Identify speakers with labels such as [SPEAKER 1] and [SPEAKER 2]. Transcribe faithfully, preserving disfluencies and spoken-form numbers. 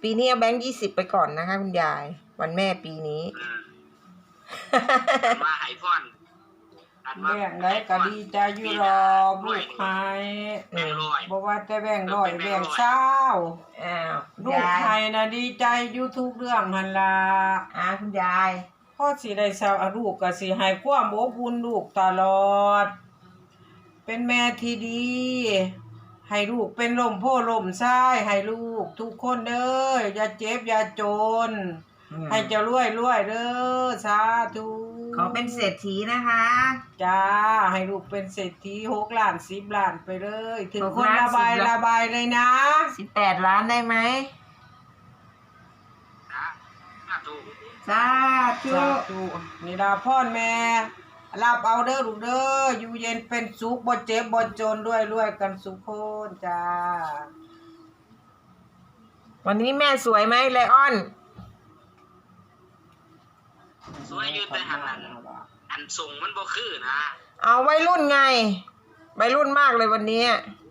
[SPEAKER 1] ปีนี้เอาแบงค์ยี่สิบไปก่อนนะคะคุณยายวันแม่ปีนี้
[SPEAKER 2] มาไอพอน
[SPEAKER 3] แบ่งได้ก็ดีใจอยู่รอบลูกหายบอกว่าแต่แบ่งร้อยแบ่งเศร้า
[SPEAKER 1] อ้าว
[SPEAKER 3] ลูกไทยนะดีใจอยู่ทุกเรื่องหันละ
[SPEAKER 1] อ่าคุณยาย
[SPEAKER 3] พ่อสิได้เศร้าลูกก็สิให้ความอบอุ่นลูกตลอดเป็นแม่ที่ดีให้ลูกเป็นลมโพลมซ้ายให้ลูกทุกคนเด้ออย่าเจ็บอย่าจนให้เจ้ารวยรวยเด้อสาธุ
[SPEAKER 1] ขอเป็นเศรษฐีนะคะ
[SPEAKER 3] จ้าให้ลูกเป็นเศรษฐีหกล้านสิบล้านไปเลยถึงคนระบายระบายเลยนะ
[SPEAKER 1] สิบแปดล้านได้ไหมสาธุ
[SPEAKER 3] นี่ดาพ่อแม่รับเอาเด้อลูกเด้ออยู่เย็นเป็นสุขบ่เจ็บบ่จนด้วยรวยกันสุขคนจ้า
[SPEAKER 1] วันนี้แม่สวยไหมไลออน
[SPEAKER 2] สวยอยู่แต่หันอันอันส่งมันบ่คือนะ
[SPEAKER 1] เอาวัยรุ่นไงวัยรุ่นมากเลยวันนี้